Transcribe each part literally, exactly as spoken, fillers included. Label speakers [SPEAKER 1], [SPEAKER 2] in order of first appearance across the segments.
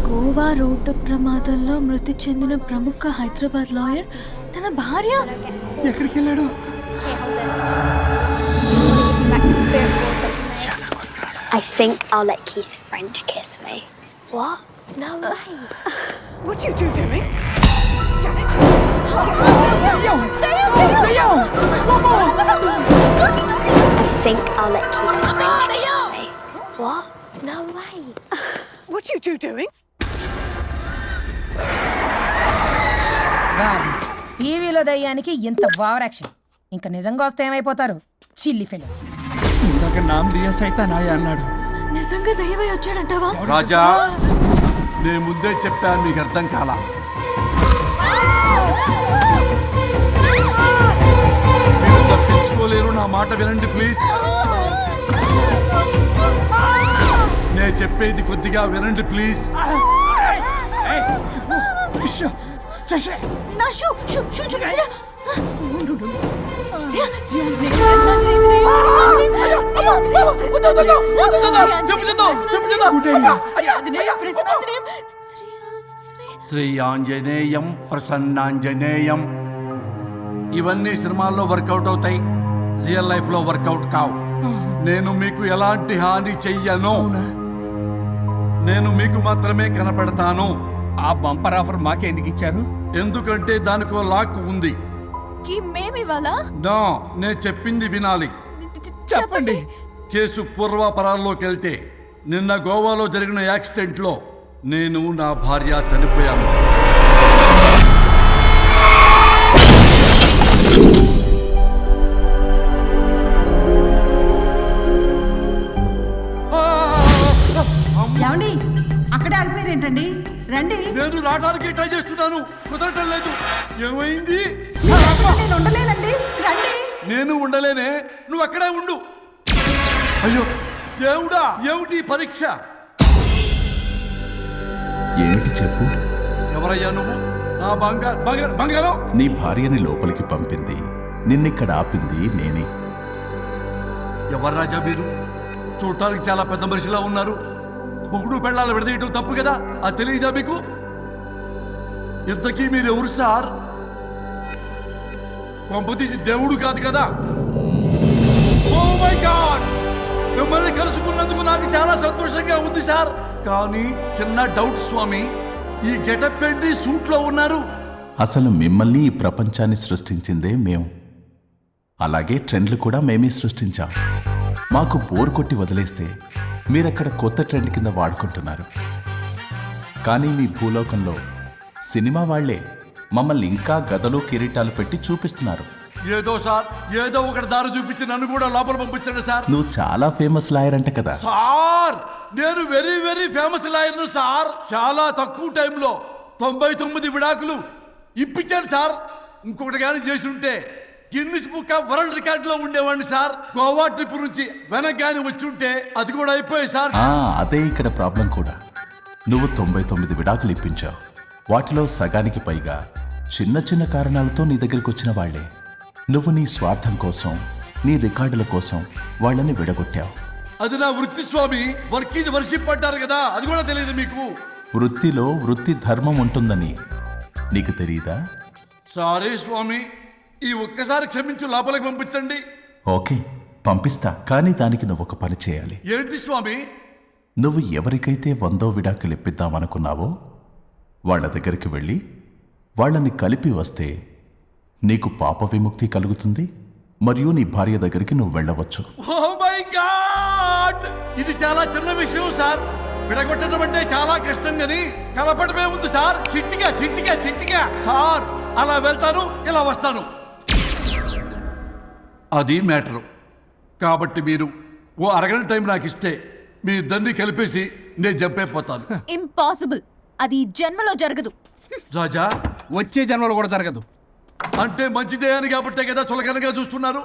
[SPEAKER 1] Goa road ప్రమాదంలో మృతి చెందిన ప్రముఖ హైదరాబాద్ లాయర్ తన భార్య
[SPEAKER 2] ఎక్కడికి వెళ్ళాడు?
[SPEAKER 3] I think I'll let Keith French kiss me. What? No way.
[SPEAKER 4] What are you two doing? Janet!
[SPEAKER 3] I think I'll let Keith French kiss me. What? No way.
[SPEAKER 4] What are you two doing?
[SPEAKER 5] టీవీలో దయ్యానికి ఇంత over action. ఇంకా నిజంగా వస్తే ఏమైపోతారు? చిల్లి fellows.
[SPEAKER 2] ఇందాక నామ్ లియా సైతానాయ అన్నాడు.
[SPEAKER 1] నిజంగా దయ్యమై వచ్చాడంటావా?
[SPEAKER 6] రాజా, నేను ముందే చెప్పాను, నీకు అర్థం కాలా. మీరు తప్పించుకోలేరు, నా మాట వినండి ప్లీజ్. నేను చెప్పేది కొద్దిగా వినండి ప్లీజ్.
[SPEAKER 1] నా షూ షూ షూ చూపించరా?
[SPEAKER 6] శ్రీ ఆంజనేయం ప్రసన్నాంజనేయం. ఇవన్నీ సినిమాల్లో వర్కౌట్ అవుతాయి, రియల్ లైఫ్ లో వర్కౌట్ కావు. నేను మీకు ఎలాంటి హాని చెయ్యను. నేను మీకు మాత్రమే కనపడతాను.
[SPEAKER 2] ఆ బంపర్ ఆఫర్ మాకే ఎందుకు ఇచ్చారు?
[SPEAKER 6] ఎందుకంటే దానికో లాక్ ఉంది.
[SPEAKER 1] మేమివాలా?
[SPEAKER 6] నా నేను చెప్పింది వినాలి.
[SPEAKER 2] చెప్పండి.
[SPEAKER 6] కేసు పూర్వాపరాల్లోకి వెళ్తే నిన్న గోవాలో జరిగిన యాక్సిడెంట్ లో నేను నా భార్య చనిపోయాను.
[SPEAKER 5] ఏమండి, అక్కడే ఆగిపోయారు ఏంటండి? రండి.
[SPEAKER 6] నేను రావడానికి ట్రై చేస్తున్నాను, కుదరటం లేదు. ఏమైంది?
[SPEAKER 5] నేను ఉండలేనండి, రండి.
[SPEAKER 6] నేను ఉండలేనే, నువ్వు అక్కడే ఉండు. అయ్యో దేవుడా, ఏమిటి పరీక్ష?
[SPEAKER 7] ఏమిటి చెప్పు.
[SPEAKER 6] ఎవరయ్యా నువ్వు? నా బంగారు బంగారు బంగారం.
[SPEAKER 7] నీ భార్యని లోపలికి పంపింది, నిన్నిక్కడ ఆపింది నేనే.
[SPEAKER 6] ఎవరు రాజా మీరు? చూడటానికి చాలా పెద్ద మనిషిలా ఉన్నారు. మొగుడు పెళ్ళాలు విడదీయటం తప్పు కదా, అది తెలియదా మీకు? ఇంతకీ మీరు ఎవరు సార్? కొంపతీసి దేవుడు కాదు కదా? ఓ మై గాడ్, మిమ్మల్ని కలుసుకున్నందుకు నాకు చాలా సంతోషంగా ఉంది సార్. కానీ చిన్న డౌట్ స్వామి, ఈ గెటప్ పెట్టి సూట్ లో ఉన్నారు.
[SPEAKER 7] అసలు మిమ్మల్ని ఈ ప్రపంచాన్ని సృష్టించిందే మేము. అలాగే ట్రెండ్లు కూడా మేమే సృష్టించాం. మాకు బోర్ కొట్టి వదిలేస్తే మీరక్కడ కొత్త ట్రెండ్ కింద వాడుకుంటున్నారు. కానీ మీ భూలోకంలో సినిమా వాళ్లే మమ్మల్ని ఇంకా గదలు కిరీటాలు పెట్టి చూపిస్తున్నారు.
[SPEAKER 6] ఏదో సార్, ఏదో ఒకటి దారి చూపించి నన్ను కూడా లోపల పంపించండి సార్.
[SPEAKER 7] నువ్వు చాలా ఫేమస్ లాయర్ అంట కదా
[SPEAKER 6] సార్? నేను వెరీ వెరీ ఫేమస్ లాయర్ను సార్. చాలా తక్కువ టైంలో తొంభై తొమ్మిది విడాకులు ఇప్పించాను సార్. ఇంకొకటి కానీ చేసి ఉంటే Guinness book of world record లో ఉండేవాడిని సార్. గోవా ట్రిప్ నుంచి వెనక్ గాని వచ్చి ఉంటే అది కూడా అయిపోయాయి సార్.
[SPEAKER 7] ఆ, అదే ఇక్కడ ప్రాబ్లం కూడా. నువ్వు తొంభై తొమ్మిది విడాకులు ఇప్పించావు. వాటిలో సగానికి పైగా చిన్న చిన్న కారణాలతో నీ దగ్గరికి వచ్చిన వాళ్లే. నువ్వు నీ స్వార్థం కోసం, నీ రికార్డుల కోసం వాళ్ళని విడగొట్టావు.
[SPEAKER 6] అది నా వృత్తి స్వామి. వర్క్ ఈజ్ వర్షిప్ అంటారు కదా, అది కూడా తెలియదు మీకు?
[SPEAKER 7] వృత్తిలో వృత్తి ధర్మం ఉంటుందని నీకు తెలియదా?
[SPEAKER 6] సారీ స్వామి, ఈ ఒక్కసారి క్షమించు, లోపలికి పంపించండి.
[SPEAKER 7] ఓకే, పంపిస్తా. కానీ దానికి నువ్వు ఒక పని చేయాలి.
[SPEAKER 6] ఏంటి స్వామి?
[SPEAKER 7] నువ్వు ఎవరికైతే వందో విడాకులు ఇప్పిద్దామనుకున్నావో వాళ్ళ దగ్గరికి వెళ్ళి వాళ్ళని కలిపి వస్తే నీకు పాప విముక్తి కలుగుతుంది. మరియు నీ భార్య దగ్గరికి నువ్వు వెళ్ళవచ్చు.
[SPEAKER 6] ఓ మై గాడ్, ఇది చాలా చిన్న విషయం సార్. విడగొట్టడం అంటే చాలా కష్టం గని కలపడమే ఉంది సార్. చిట్టిగా చిట్టిగా చిట్టిగా సార్. అలా వెళ్తాను, ఇలా వస్తాను, అది మ్యాటరు. కాబట్టి మీరు ఓ అరగంట టైం నాకు ఇస్తే మీ ఇద్దరిని కలిపేసి నేను చంపైపోతాను.
[SPEAKER 1] ఇంపాసిబుల్, అది జన్మలో జరగదు.
[SPEAKER 6] రాజా,
[SPEAKER 2] వచ్చే జన్మలో కూడా జరగదు.
[SPEAKER 6] అంటే మంచిదే అని కాబట్టే కదా చులకనగా చూస్తున్నారు.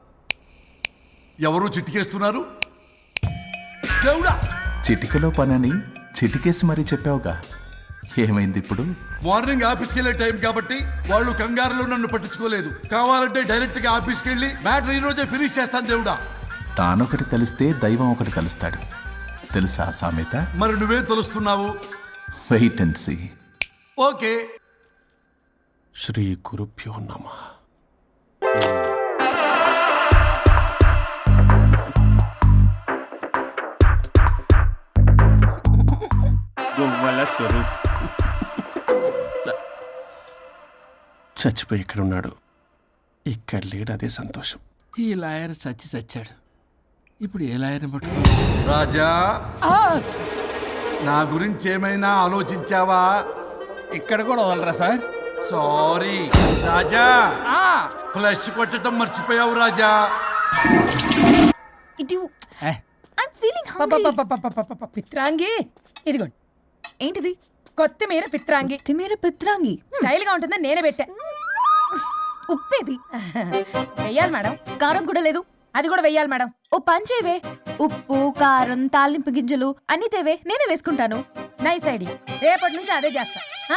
[SPEAKER 6] ఎవరు చిట్టికేస్తున్నారు? దేవుడా,
[SPEAKER 7] చిటికలో పనని చిటికేసి మరీ చెప్పావుగా. ఏమైంది ఇప్పుడు?
[SPEAKER 6] మార్నింగ్ ఆఫీస్కి వెళ్ళే టైం కాబట్టి వాళ్ళు కంగారులో నన్ను పట్టించుకోలేదు. కావాలంటే డైరెక్ట్ గా ఆఫీస్కి వెళ్ళి మ్యాటర్ ఈ రోజే ఫినిష్ చేస్తాను. దేవుడా,
[SPEAKER 7] తానొకటి తెలిస్తే దైవం ఒకటి కలుస్తాడు, తెలుసా సామెత?
[SPEAKER 6] మరి నువ్వేం తెలుస్తున్నావు?
[SPEAKER 7] Wait and see.
[SPEAKER 6] ఓకే.
[SPEAKER 8] శ్రీ గురుభ్యో నమః. గొవ్వల స్వరూప్ చచ్చిపోయి ఇక్కడ ఉన్నాడు. ఇక్కడ లేడు, అదే సంతోషం.
[SPEAKER 2] ఈ లాయర్ చచ్చి చచ్చాడు. ఇప్పుడు ఏ లాయర్ని పట్టుకో?
[SPEAKER 6] రాజా, నా గురించి ఏమైనా ఆలోచించావా?
[SPEAKER 2] ఇక్కడ కూడా వదలరా సార్?
[SPEAKER 6] సారీ రాజా, ఫ్లష్ కొట్టడం మర్చిపోయావు రాజా.
[SPEAKER 1] ఇటు
[SPEAKER 2] ఏ,
[SPEAKER 1] ఐమ్ ఫీలింగ్ హంగ్రీ.
[SPEAKER 5] పపపపపపపప, పిత్రాంగి ఇదిగోండి.
[SPEAKER 1] ఏంటిది?
[SPEAKER 5] కొత్తిమీర పిత్రాంగి.
[SPEAKER 1] తిమేర పిత్రాంగి.
[SPEAKER 5] స్టైల్ గా ఉంటుందని నేనే పెట్టా.
[SPEAKER 1] ఉప్పేది?
[SPEAKER 5] వెయ్యాలి మేడం.
[SPEAKER 1] కారం కూడా లేదు.
[SPEAKER 5] అది కూడా వెయ్యాలి మేడం.
[SPEAKER 1] ఓ పంచేవే, ఉప్పు కారం తాలింపు గింజలు అన్ని తేవే, నేనే వేసుకుంటాను.
[SPEAKER 5] Nice idea. రేపటి నుంచి అదే చేస్తా. ఆ?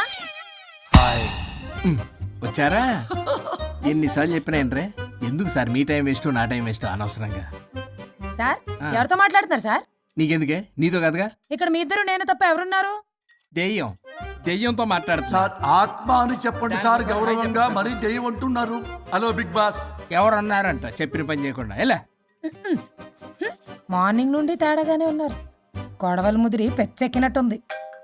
[SPEAKER 2] వచ్చారా? ఎన్నిసార్లు చెప్పినా ఏంట్రే? ఎందుకు సార్ మీ టైం వేస్ట్ నా టైం వేస్ట్ అనవసరంగా?
[SPEAKER 5] సార్
[SPEAKER 2] ఆ.
[SPEAKER 5] ఎవరితో మాట్లాడుతున్నారు సార్?
[SPEAKER 2] నీకెందుకే? నీతో కదగా.
[SPEAKER 5] ఇక్కడ మీ ఇద్దరు నేను తప్ప ఎవరున్నారు?
[SPEAKER 2] దెయ్యం దెయ్యంతో మాట్లాడుతున్నా.
[SPEAKER 6] సార్ ఆత్మ అని చెప్పండి సార్, గౌరవంగా మరీ దెయ్యం అంటున్నారు. Hello Bigg Boss.
[SPEAKER 2] ఎవరు అన్నారంట చెప్పిన పని చేయకుండా? ఎలా?
[SPEAKER 5] మార్నింగ్ నుండి తేడాగానే ఉన్నారు. గొడవల ముదిరి పెచ్చెక్కినట్టుంది.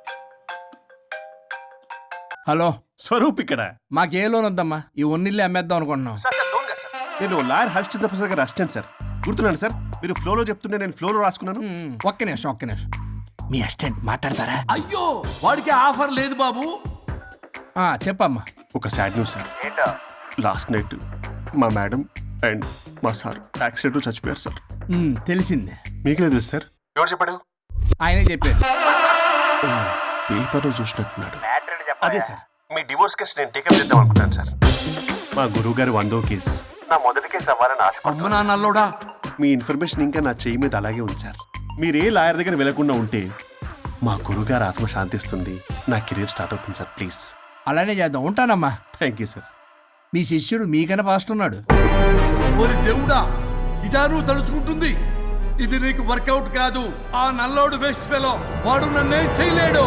[SPEAKER 2] హలో,
[SPEAKER 8] స్వరూప్ ఇక్కడ.
[SPEAKER 2] మాకే లోన్ వద్దమ్మా, ఈ ఒన్నిల్లు అమ్మేద్దాం అనుకుంటున్నాం.
[SPEAKER 8] నేను లాయర్ హరిశ్చంద్ర ప్రసాద్ గారు అసిస్టెంట్ సార్. గుర్తున్నాను సార్, మీరు ఫ్లోలో చెప్తుంటే నేను ఫ్లోలో రాసుకున్నాను.
[SPEAKER 2] ఉమ్, ఒక్క నిమిషం ఒక్క నిమిషం. మీ అసిస్టెంట్ మాట్లాడతారా?
[SPEAKER 6] అయ్యో, వాడికి ఆఫర్ లేదు బాబు.
[SPEAKER 2] ఆ, చెప్పమ్మా.
[SPEAKER 8] ఒక sad news sir. Last night మా మేడం అండ్ మా సార్ యాక్సిడెంట్ చచ్చిపోయారు సార్.
[SPEAKER 2] ఉమ్, తెలిసిందే.
[SPEAKER 8] మీకు లేదు సార్. ఎవరు చెప్పాడు?
[SPEAKER 2] ఆయనే చెప్పారు.
[SPEAKER 8] పేపర్లో చూసినట్టున్నాడు. అదే సార్, మీ డివోర్స్ కేసు నేను టేకప్ చేద్దాం అనుకుంటాను సార్. మా గురువు గారి వందో కేసు నా మొదటి కేసు అవ్వాలని ఆశ.
[SPEAKER 6] అమ్మ నా నల్లోడా,
[SPEAKER 8] మీ ఇన్ఫర్మేషన్ ఇంకా నా చెయ్యి మీద అలాగే ఉంది సార్. మీరు ఏ లాయర్ దగ్గర వెళ్లకుండా ఉంటే మా గురుగారు ఆత్మ శాంతిస్తుంది, నా కెరీర్ స్టార్ట్ అవుతుంది సార్. ప్లీజ్
[SPEAKER 2] అలానే చేద్దాం. ఉంటానమ్మా.
[SPEAKER 8] Thank you sir.
[SPEAKER 2] మీ శిష్యుడు మీకన్నా ఫాస్ట్ ఉన్నాడు.
[SPEAKER 6] ఓరి దేవుడా, ఇదా నువ్వు తలుచుకుంటుంది? ఇది నీకు వర్కౌట్ కాదు. ఆ నల్లోడు వేస్ట్ ఫెలో, వాడు నన్నేం చేయలేడు.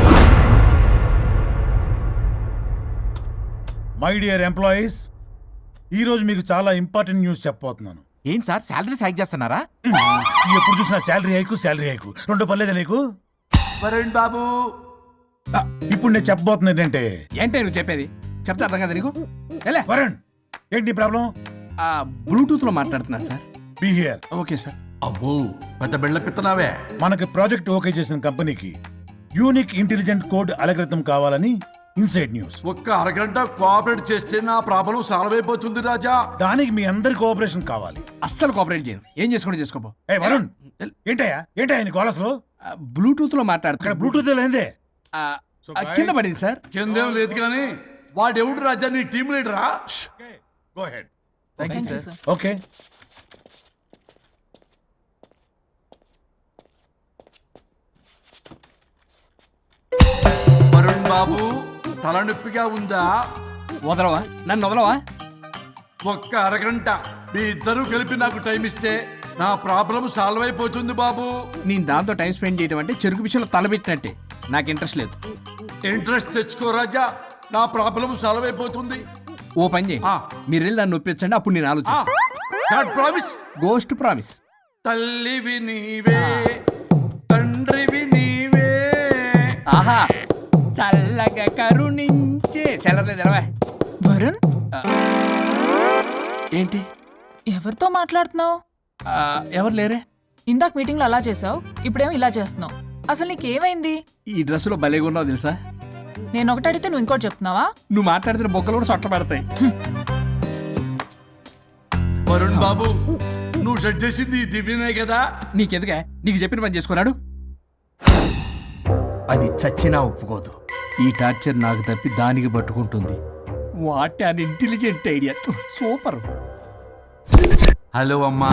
[SPEAKER 9] మై డియర్ ఎంప్లాయీస్, ఈరోజు మీకు చాలా ఇంపార్టెంట్ న్యూస్ చెప్పబోతున్నాను.
[SPEAKER 10] ఏంటి సార్ శాలరీస్ హైక్ చేస్తున్నారా?
[SPEAKER 9] ఎప్పుడు చూసినా శాలరీ హైకు శాలరీ హైకు రెండు పర్లేదా నీకు?
[SPEAKER 6] వరుణ్ బాబు,
[SPEAKER 9] ఆ, ఇప్పుడు నేను చెప్పబోతున్నా ఏంటంటే,
[SPEAKER 2] ఏంటే నువ్వు చెప్పేది? చెప్తా అర్థం కదా నీకు? ఎలా?
[SPEAKER 9] వరుణ్, ఏంటి ప్రాబ్లం?
[SPEAKER 2] ఆ, బ్లూటూత్ లో మాట్లాడుతున్నాను sir.
[SPEAKER 9] Be here.
[SPEAKER 2] Okay sir.
[SPEAKER 6] అబ్బో పెద్ద బిళ్ళ పిత్తనావే.
[SPEAKER 9] మనకి ప్రాజెక్ట్ ఓకే చేసిన కంపెనీకి యూనిక్ ఇంటెలిజెంట్ కోడ్ అలకృతం కావాలని ఇన్సైడ్ న్యూస్.
[SPEAKER 6] ఒక్క అరగంట కోఆపరేట్ చేస్తే నా ప్రాబ్లం సాల్వ్ అయిపోతుంది రాజా.
[SPEAKER 9] దానికి మీ అందరి కోఆపరేషన్ కావాలి.
[SPEAKER 2] అస్సలు కోఆపరేట్ చేయను. ఏం చేసుకోండి చేసుకోపో.
[SPEAKER 9] ఏ వరుణ్, ఏంటయ్యా ఏంటయ్యా నీ గోలసలు?
[SPEAKER 2] బ్లూటూత్ లో
[SPEAKER 9] ఇక్కడ
[SPEAKER 2] మాట్లాడుతున్నా.
[SPEAKER 9] బ్లూటూత్ లేదే.
[SPEAKER 2] ఆ, ఆ, కింద పడింది సార్.
[SPEAKER 6] కిందేం లేదు కానీ వాడెవడు రాజా, నీ టీం లీడరా?
[SPEAKER 9] Go head. ఓకే.
[SPEAKER 6] వరుణ్ బాబు, తలనొప్పిగా ఉందా?
[SPEAKER 2] వదలవా? నన్ను వదలవా?
[SPEAKER 6] ఒక్క అరగంట మీ ఇద్దరూ కలిపి నాకు టైం ఇస్తే నా ప్రాబ్లం సాల్వ్ అయిపోతుంది బాబు.
[SPEAKER 2] నేను దాంతో టైం స్పెండ్ చేయడం అంటే చెరుకు విషయంలో తలబెట్టినట్టే. నాకు ఇంట్రెస్ట్ లేదు.
[SPEAKER 6] ఇంట్రెస్ట్ తెచ్చుకో రాజా, నా ప్రాబ్లం సాల్వ్ అయిపోతుంది.
[SPEAKER 2] ఓ పని చేయండి,
[SPEAKER 6] ఆ.
[SPEAKER 2] మీరు వెళ్ళి నన్ను ఒప్పించండి, అప్పుడు నేను ఆలోచిస్తాను.
[SPEAKER 6] God promise.
[SPEAKER 2] Ghost promise.
[SPEAKER 6] తల్లివి నీవే, తండ్రివి నీవే.
[SPEAKER 2] ఆహా, చల్లగా కరుణించే. చల్లలేదు ఎలవా?
[SPEAKER 11] వరుణ్,
[SPEAKER 2] ఏంటి?
[SPEAKER 11] ఎవరితో మాట్లాడుతున్నావు?
[SPEAKER 2] ఆ, ఎవరు లేరే?
[SPEAKER 11] ఇందాక మీటింగ్ లో అలా చేసావు, ఇప్పుడేమో ఇలా చేస్తున్నావు. అసలు నీకేమైంది?
[SPEAKER 2] ఈ డ్రెస్సులో భలేగా ఉన్నావు తెలుసా?
[SPEAKER 11] నేను ఒకటి అడిగితే నువ్వు ఇంకోటి చెప్తున్నావా?
[SPEAKER 2] నువ్వు మాట్లాడితే బొక్కలు కూడా సొట్ట పడతాయి.
[SPEAKER 6] వరుణ్ బాబు, నువ్వు సెట్ చేసింది ఈ దివ్యనే కదా?
[SPEAKER 2] నీకెందుకే? నీకు చెప్పిన పని చేసుకున్నాడు. అది చచ్చినా ఒప్పుకోదు. ఈ టార్చర్ నాకు తప్పి దానికి పట్టుకుంటుంది. What an intelligent idea. Super.
[SPEAKER 6] Hello అమ్మా.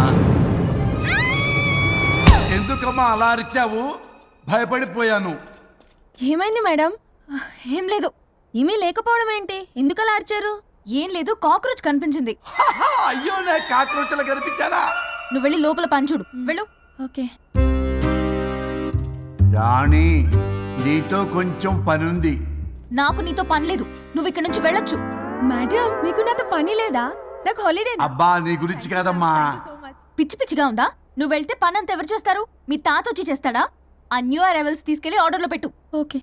[SPEAKER 6] ఎందుకమ్మా అలా అరిచావు? భయపడిపోయాను.
[SPEAKER 5] ఏమైంది మేడం?
[SPEAKER 1] ఏం లేదు.
[SPEAKER 5] ఏమీ లేకపోవడం ఏంటి? ఎందుకలా అరిచారు?
[SPEAKER 1] ఏం లేదు, కాక్రోచ్ కనిపించింది.
[SPEAKER 6] అయ్యో, నా కాక్రోచ్లు కనిపించారా?
[SPEAKER 1] నువ్వు వెళ్ళి లోపల పంచుడు. వెళ్ళు.
[SPEAKER 5] ఓకే.
[SPEAKER 6] రాణి, నీతో కొంచెం పనుంది.
[SPEAKER 1] నాకు నీతో పని లేదు, నువ్వు ఇక్కడ నుంచి వెళ్ళొచ్చు.
[SPEAKER 5] మేడం మీకు నాతో పని లేదా? నాకు హాలిడే.
[SPEAKER 6] అబ్బా నీ గురించి కాదమ్మా.
[SPEAKER 1] పిచ్చి పిచ్చిగా ఉందా? నువ్వు వెళ్తే పని అంతా ఎవరు చేస్తారు? మీ తాత వచ్చి చేస్తాడా? ఆ న్యూ అరైవల్స్ తీసుకెళ్లి ఆర్డర్లో పెట్టు.
[SPEAKER 5] ఓకే.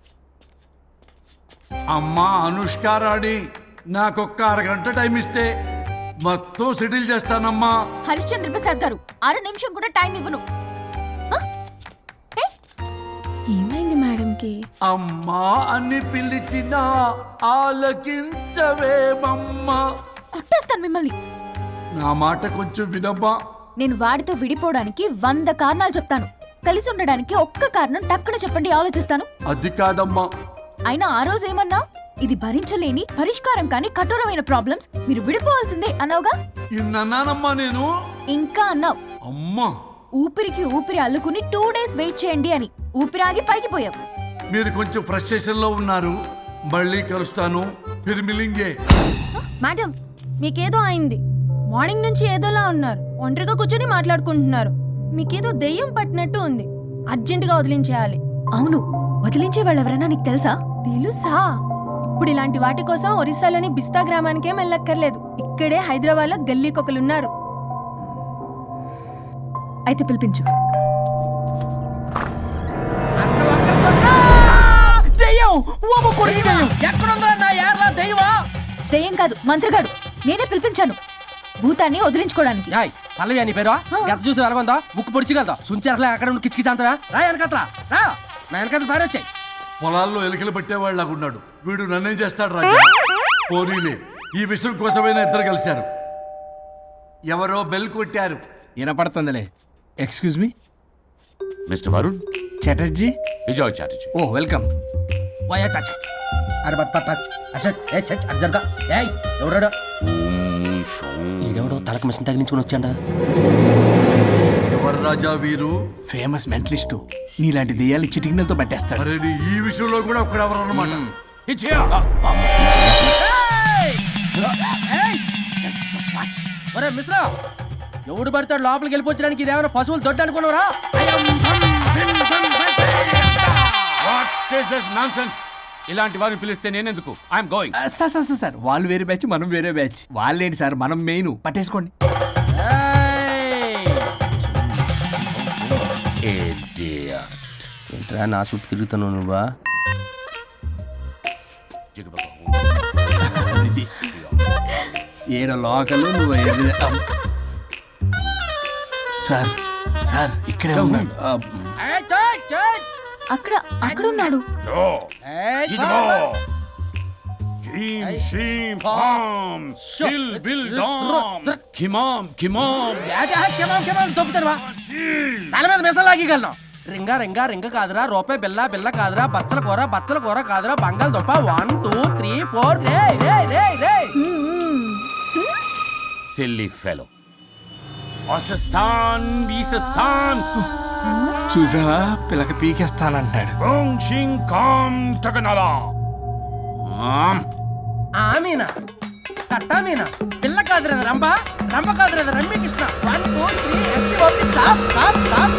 [SPEAKER 6] అమ్మా అనుష్కారాణి, నాకొక్క అరగంట టైం ఇస్తే మొత్తం సెటిల్ చేస్తానమ్మా.
[SPEAKER 1] హరిశ్చంద్ర ప్రసాద్ గారు, అర నిమిషం కూడా టైం ఇవ్వను. ఆ? ఏ?
[SPEAKER 5] ఏమైంది మేడంకి?
[SPEAKER 6] అమ్మా అని పిలిచినా ఆలకించవేమమ్మా.
[SPEAKER 1] కొట్టేస్తాను మిమ్మల్ని.
[SPEAKER 6] నా మాట కొంచెం వినమ్మా.
[SPEAKER 1] నేను వాడితో విడిపోవడానికి వంద కారణాలు చెప్తాను, కలిసి ఉండడానికి ఒక్క కారణం టక్కున చెప్పండి, ఆలోచిస్తాను.
[SPEAKER 6] అది కాదమ్మా.
[SPEAKER 1] అయినా ఆ రోజు ఏమన్నా, ఇది భరించలేని పరిష్కారం కాని కఠోరమైన ప్రాబ్లమ్స్, మీరు విడిపోవాల్సిందే అన్నావుగా.
[SPEAKER 6] ఇన్నానమ్మా నేను.
[SPEAKER 1] ఇంకా అన్నావు,
[SPEAKER 6] అమ్మా
[SPEAKER 1] ఊపిరికి ఊపిరి అల్లుకుని టూ డేస్ వెయిట్ చేయండి అని. ఊపిరాగి పైకి పోయావు.
[SPEAKER 6] మీరు కొంచెం ఫ్రస్ట్రేషన్ లో ఉన్నారు. మళ్ళీ కలుస్తాను. ఫిర్మిలింగే.
[SPEAKER 5] మేడం మీకేదో అయింది. మార్నింగ్ నుంచి ఏదోలా ఉన్నారు. ఒంటరిగా కూర్చొని మాట్లాడుకుంటున్నారు. మీకేదో దెయ్యం పట్టినట్టు ఉంది. అర్జెంటుగా వదిలించేయాలి.
[SPEAKER 1] అవును, వదిలించే వాళ్ళెవరైనా నీకు తెలుసా?
[SPEAKER 5] తెలుసా? ఇప్పుడు ఇలాంటి వాటి కోసం ఒరిస్సాలోని బిస్తా గ్రామానికేం వెళ్ళక్కర్లేదు. ఇక్కడే హైదరాబాద్ లో గల్లీకొకలున్నారు.
[SPEAKER 1] అయితే పిలిపించు. దెయ్యం కాదు, మంత్రగాడు. నేనే పిలిపించాను భూతాన్ని వదిలించుకోవడానికి.
[SPEAKER 10] పల్లవి అని పేరు గత చూసి వెలగొందా ముక్కు పొడిచిగలదా సుంచరలే అక్కడ ఉండి కిచకిచ అంతవా రా వెనకట్రా రా నా వెనకట్ల పారి వచ్చాయి.
[SPEAKER 6] పొలాల్లో ఎలుకలు పట్టేవాళ్ళగా ఉన్నాడు వీడు. నన్నేం చేస్తాడు రాజా? పోనీలే, ఈ విషయం కోసమైనా ఇద్దరు కలిశారు. ఎవరో బెల్ కొట్టారు.
[SPEAKER 2] వినపడుతుందిలే. Excuse me
[SPEAKER 10] mister Varun
[SPEAKER 2] Chatterjee.
[SPEAKER 10] Vijay Chatterjee.
[SPEAKER 2] Oh welcome.
[SPEAKER 10] వయా చాచా అరే బట్ పట్ పట్ అసత్ ఏ సచ్ అర్జర్గా ఏయ్ ఎవరడా ఈడెవడో తలకు మిషన్ తగిలించుకుని వచ్చాడా?
[SPEAKER 6] ఎవరు రాజా వీరు?
[SPEAKER 2] Famous mentalist. నీలాంటి దెయ్యాలు చిటికినలతో పట్టేస్తాడు.
[SPEAKER 6] అరే నీ ఈ విషయంలో కూడా ఒకడు ఎవరు అన్నమాట.
[SPEAKER 10] ఒరే మిశ్రా, ఎవడు పడతాడు లోపలికి వెళ్ళిపోవడానికి? ఇదేమైనా పశువులు దొడ్డు అనుకున్నారా?
[SPEAKER 12] ఇలాంటి వారిని పిలిస్తే నేనెందుకు? I'm going.
[SPEAKER 2] Sir sir sir వాళ్ళు వేరే బ్యాచ్, మనం వేరే బ్యాచ్. వాళ్ళేంటి సార్, మనం మెయిన్. పట్టేసుకోండి.
[SPEAKER 10] ఏంట్రా నా చుట్టూ తిరుగుతాను నువ్వా?
[SPEAKER 2] ఏడ లోకలు నువ్వు ఏది- అమ్. సార్ సార్ ఇక్కడే ఉన్నాడు. అమ్.
[SPEAKER 1] అక్కడ అక్కడ ఉన్నాడు.
[SPEAKER 10] తల మీద మెసలాగలను. రింగా రింగా రింగ కాదురా, రూపాయి బిల్ల బిల్ల కాదురా, బచ్చల కూర బచ్చల కూర కాదురా, బంగాళదుంప వన్ టూ త్రీ ఫోర్ రే రే రే రే.
[SPEAKER 12] Silly fellow. అసస్థాన్ బీసస్థాన్
[SPEAKER 2] చూసా పిల్లకి పీకేస్తానంటాడు.
[SPEAKER 10] ఆమీనా కట్టా మీనా పిల్ల కాదురా రంభ, రంభ కాదురా Ramya Krishna. One two three ఎస్సీ ఓపీ stop stop stop.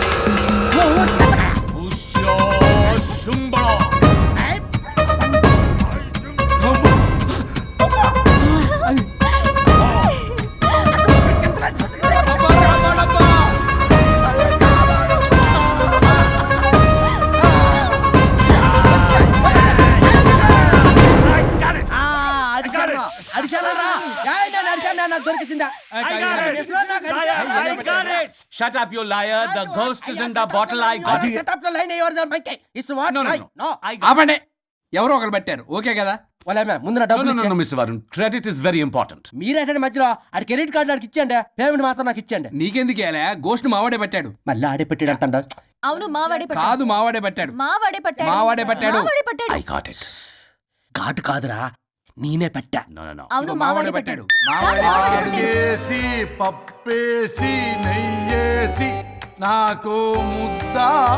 [SPEAKER 12] Shut up, you liar. The ghost is in the bottle. I got it.
[SPEAKER 10] Shut up the line. You are the mic. It's what?
[SPEAKER 12] No, no,
[SPEAKER 10] I-
[SPEAKER 12] no.
[SPEAKER 10] no.
[SPEAKER 12] I got
[SPEAKER 2] ఆపండి. ఎవరో ఒకరు పెట్టారు. Okay కదా?
[SPEAKER 10] వాళ్ళ ముందు నా
[SPEAKER 12] No, no,
[SPEAKER 10] డబ్బులు
[SPEAKER 12] no, no,
[SPEAKER 10] ఇచ్చేయండి.
[SPEAKER 12] Mister Varun. Credit is very important.
[SPEAKER 10] మీరేంటంటే మధ్యలో ఆడి క్రెడిట్ కార్డు నాకు ఇచ్చేయండి, పేమెంట్ మాత్రం నాకు ఇచ్చేయండి.
[SPEAKER 2] నీకెందుకు వేలా? గోష్ట్ మావాడే పట్టాడు.
[SPEAKER 10] మళ్ళీ ఆడే పెట్టాడు అంటాడు.
[SPEAKER 1] అవును, మావాడే పట్టాడు.
[SPEAKER 2] కాదు మావాడే పట్టాడు.
[SPEAKER 1] మావాడే పట్టాడు.
[SPEAKER 2] మావాడే పట్టాడు.
[SPEAKER 1] మావాడే పట్టాడు.
[SPEAKER 12] I got it.
[SPEAKER 10] ఘాటు కాదురా, నేనే పెట్టా.
[SPEAKER 12] No, no, no.
[SPEAKER 1] అవును, మావాడే పట్టాడు.
[SPEAKER 2] మావాడే పట్టాడు.
[SPEAKER 6] ఆకేసి పప్పేసి నెయ్యేసి నాకు ముద్ద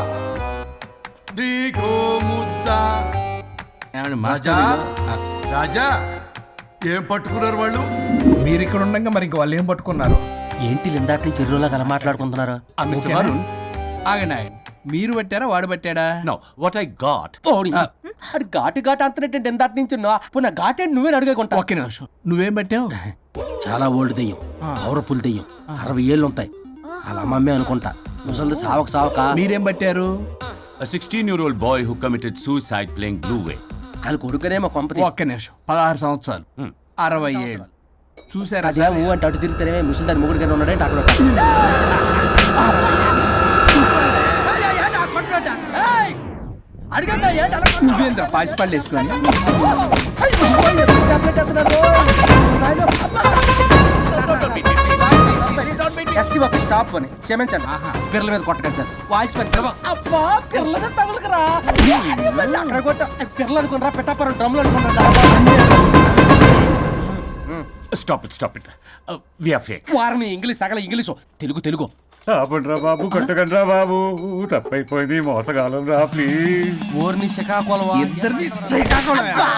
[SPEAKER 6] నీకో ముద్ద.
[SPEAKER 2] ఏమండి
[SPEAKER 6] రాజా
[SPEAKER 2] మాస్టర్?
[SPEAKER 6] రాజా ఏం పట్టుకున్నారు వాళ్ళు?
[SPEAKER 2] మీరు ఇక్కడ ఉండగా మరి ఇంక వాళ్ళు ఏం పట్టుకున్నారు?
[SPEAKER 10] ఏంటి ఇందాక నుంచి చెరువులో కల మాట్లాడుకుంటున్నారు?
[SPEAKER 12] Uh, Mister Varun,
[SPEAKER 2] ఆగండి ఆగండి. మీరు పట్టారా వాడు పట్టాడా?
[SPEAKER 12] No, what I got.
[SPEAKER 10] ఓడి అది ఘాటు ఘాటు అంతనేటంటే ఎంత నుంచి పున్న ఘాటే నువ్వే అడిగేకుంటా
[SPEAKER 2] ఒక్క నిమిషం, నువ్వేం పట్టావు?
[SPEAKER 10] చాలా ఓల్డ్ దెయ్యం పవర్ఫుల్ దెయ్యం అరవై ఏళ్ళు ఉంటాయి అలా అమ్మమ్మే అనుకుంటా ముసలిది సావక సావక
[SPEAKER 2] మీరేం పట్టారు?
[SPEAKER 12] A sixteen-year-old boy who committed suicide playing Blue Way.
[SPEAKER 10] వాళ్ళ కొడుకునేమో కొంపతి
[SPEAKER 2] ఒక్క నిమిషం, పదహారు సంవత్సరాలు, అరవై ఏళ్ళు. చూసారా
[SPEAKER 10] అదే ఊ అంటే అటు తిరిగితేనే ముసలి దాని ముగ్గురు కింద ఉన్నాడంటే అక్కడ అడిగా
[SPEAKER 2] నువ్వేంద్ర పాసిపళ్ళు వేసుకొని?
[SPEAKER 10] ఎస్టీ బాబు స్టాప్ అని క్షమించండి పిల్లల మీద కొట్టకండి సార్ వాయిస్ పెట్టి అబ్బా పిల్లల మీద తగులుకురా అక్కడ కొట్ట పిల్లలు అనుకున్నారా పెట్టాపరం డ్రమ్లు అనుకున్నారా
[SPEAKER 12] Stop it, stop it. Uh, we are fake.
[SPEAKER 10] వారిని ఇంగ్లీష్ తగల ఇంగ్లీషు తెలుగు తెలుగు
[SPEAKER 9] ఆపండ్రా బాబు, కొట్టకండ్రా బాబు, తప్పైపోయింది, మోసగాలం రా ప్లీజ్.
[SPEAKER 10] ఓర్ని శ్రీకాకుళం
[SPEAKER 2] ఇద్దరిని శ్రీకాకుళమే.